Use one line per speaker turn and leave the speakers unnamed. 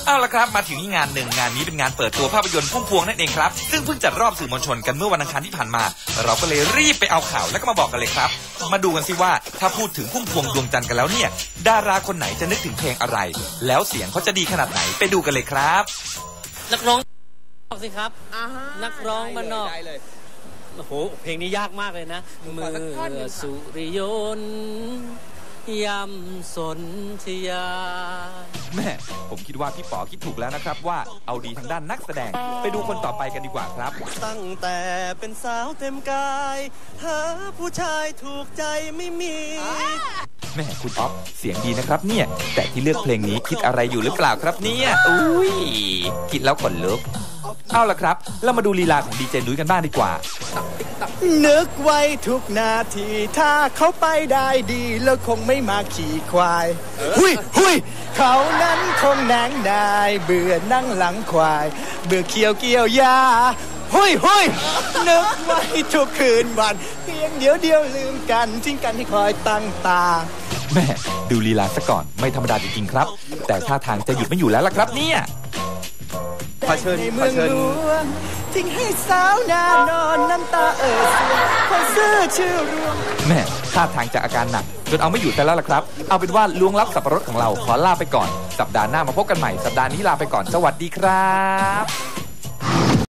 เอาละครับมาถึงงานหนึ่งงานนี้เป็นงานเปิดตัวภาพยนตร์พุ่มพวงนั่นเองครับซึ่งเพิ่งจัดรอบสื่อมวลชนกันเมื่อวันอังคารที่ผ่านมาเราก็เลยรีบไปเอาข่าวแล้วก็มาบอกกันเลยครับมาดูกันสิว่าถ้าพูดถึงพุ่มพวงดวงจันทร์กันแล้วเนี่ยดาราคนไหนจะนึกถึงเพลงอะไรแล้วเสียงเขาจะดีขนาดไหนไปดูกันเลยครับ
นักร้องสิครับนักร้องบ้านนอกโอ้โหเพลงนี้ยากมากเลยนะเมื่อสุริยนต์ยำสนธยา
แม่ผมคิดว่าพี่ป๋อคิดถูกแล้วนะครับว่าเอาดีทางด้านนักแสดงไปดูคนต่อไปกันดีกว่าครับ
ตั้งแต่เป็นสาวเต็มกายหาผู้ชายถูกใจไม่มี
แม่คุณอ๊อฟเสียงดีนะครับเนี่ยแต่ที่เลือกเพลงนี้คิดอะไรอยู่หรือเปล่าครับเนี่ยอุ้ยคิดแล้วขนลุกเอาล่ะครับเรามาดูลีลาของดีเจนุ้ยกันบ้างดีกว่า
นึกไว้ทุกนาทีถ้าเขาไปได้ดีแล้วคงไม่มาขี่ควายหุยเขานั้นคงแหนงนายเบื่อนั่งหลังควายเบื่อเกี่ยวยาหุยนึกไว้ทุกคืนวันเพียงเดียวลืมกันทิ้งกันให้คอยตั้งตา
แม่ดูลีลาซะก่อนไม่ธรรมดาจริงๆครับแต่ท่าทางจะหยุดไม่อยู่แล้วล่ะครับเนี่ย
ขอเชิญทิ้งให้สาวหน้านอนน้ำตาเอ่อเสียคนซื่อชื่อรวม
แม่ท่าทางจะอาการหนักจนเอาไม่อยู่แต่แล้วล่ะครับเอาเป็นว่าล้วงลับสับปะรดของเราขอลาไปก่อนสัปดาห์หน้ามาพบกันใหม่สัปดาห์นี้ลาไปก่อนสวัสดีครับ